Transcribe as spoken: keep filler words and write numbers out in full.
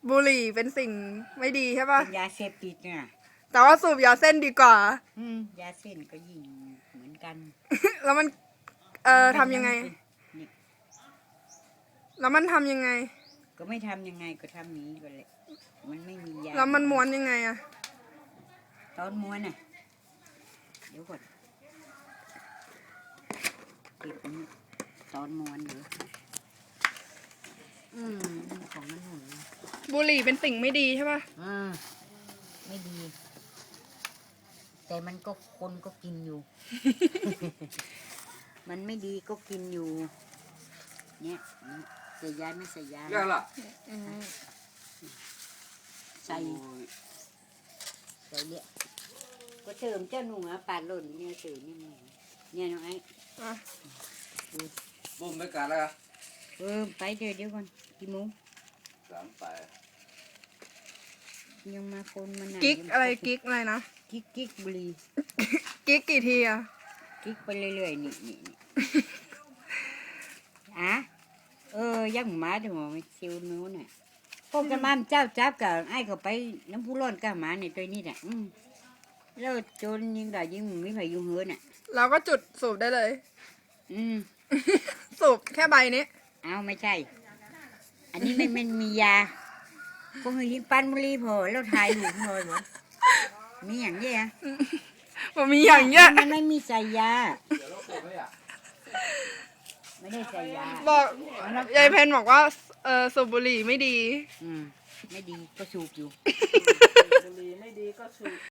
บุหรี่เป็นสิ่งไม่ดีใช่ป่ะเป็นยาเสพติดน่ะแต่ว่าสูบยาเส้นดีกว่าอืมยาเส้นก็ยิ่งเหมือนกันแล้วมัน เอ่อทำยังไงนี่แล้วมันทำยังไงก็ไม่ทำยังไงก็ทำนี้ก็เลยมันไม่มียาแล้วมันม้วนยังไงอะตอนม้วนน่ะเดี๋ยวก่อนเก็บนี่ตอนม้วนเดี๋ยวอืมของมันหนูบุหรี่เป็นสิ่งไม่ดีใช่ป่ะอ่าไม่ดี แต่มันก็คนก็กินอยู่ มันไม่ดีก็กินอยู่ เนี่ยใส่ยาไม่ใส่ยาเรื่องละใส่ใส่เนี่ยก็เติมเจ้าหนูอ่ะปาดหล่นเนี่ยเติมนี่มึงเนี่ยน้องไอ้อ่ะบุ้มไม่กัดแล้วเออไปเดี๋ยวเดี๋ยวก่อนกี่โมงสามไปยังมาคนมันกิ๊กอะไรกิ๊กอะไรนะกิ๊กกิ๊กบุหรีกิ๊กกี่ทีอะกิ๊กไปเรื่อยๆนี่นี่นี่ อ่ะเออยังหมาถึงไม่ชิวนู้นน่ะพวกกันมาเจ้าจับกับไอ้ก็ไปน้ำผู้ร้อนกับหมาในตัวนี้แหละอืมแล้วจนยิงได้ยิงไม่ไผยุ่งเหือน่ะเราก็จุดสูบได้เลยอืมสูบแค่ใบนี้เอาไม่ใช่ อันนี้ไม่ไม่มียาพวกยิงปันบุหรีพอแล้วถ่ายรูปเลยหมดมีอย่างเงี้ยมันมีอย่างเงี้ยมันไม่มีใส่ยาเดี๋ยวเราเก็บไว้อ่ะไม่ได้ใส่ยาบอกยายเพนบอกว่าเออสูบบุหรี่ไม่ดีอืมไม่ดีก็สูบอยู่บุหรี่ไม่ดีก็สูบ